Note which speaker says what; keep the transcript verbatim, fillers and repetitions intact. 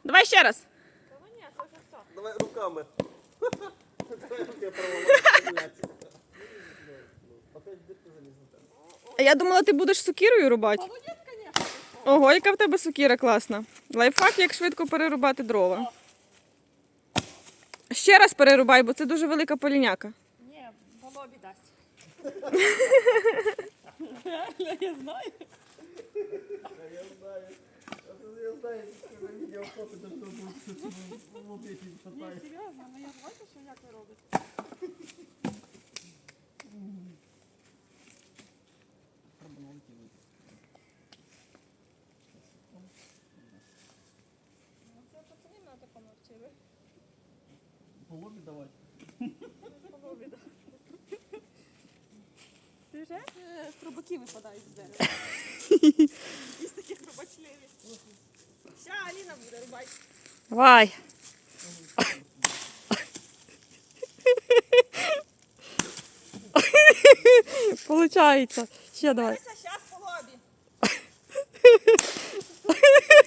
Speaker 1: Давай ще раз.
Speaker 2: Давай руками. Давай руки провалити. Опять дирка залізла.
Speaker 1: А я думала, ти будеш сокирою рубати. Ого, яка в тебе сокира класна. Лайфхак, як швидко перерубати дрова. Ще раз перерубай, бо це дуже велика поліняка.
Speaker 3: Ні, по лобі дасть. Я знаю.
Speaker 2: Я знаю. Я знаю, що відео фото, то що буде
Speaker 3: Ні,
Speaker 2: шатає.
Speaker 3: серйозно, ну я ж бачу, що як ви робите. Ну це пацани мене такому навчили.
Speaker 2: По лобі давати.
Speaker 3: По лобі, так. Ти вже? Хробаки випадають з дерева. Із таких хробачливі. Ща Аліна буде рубати.
Speaker 1: Давай. Получається. Ще давай.
Speaker 3: Дивися, щас по лобі.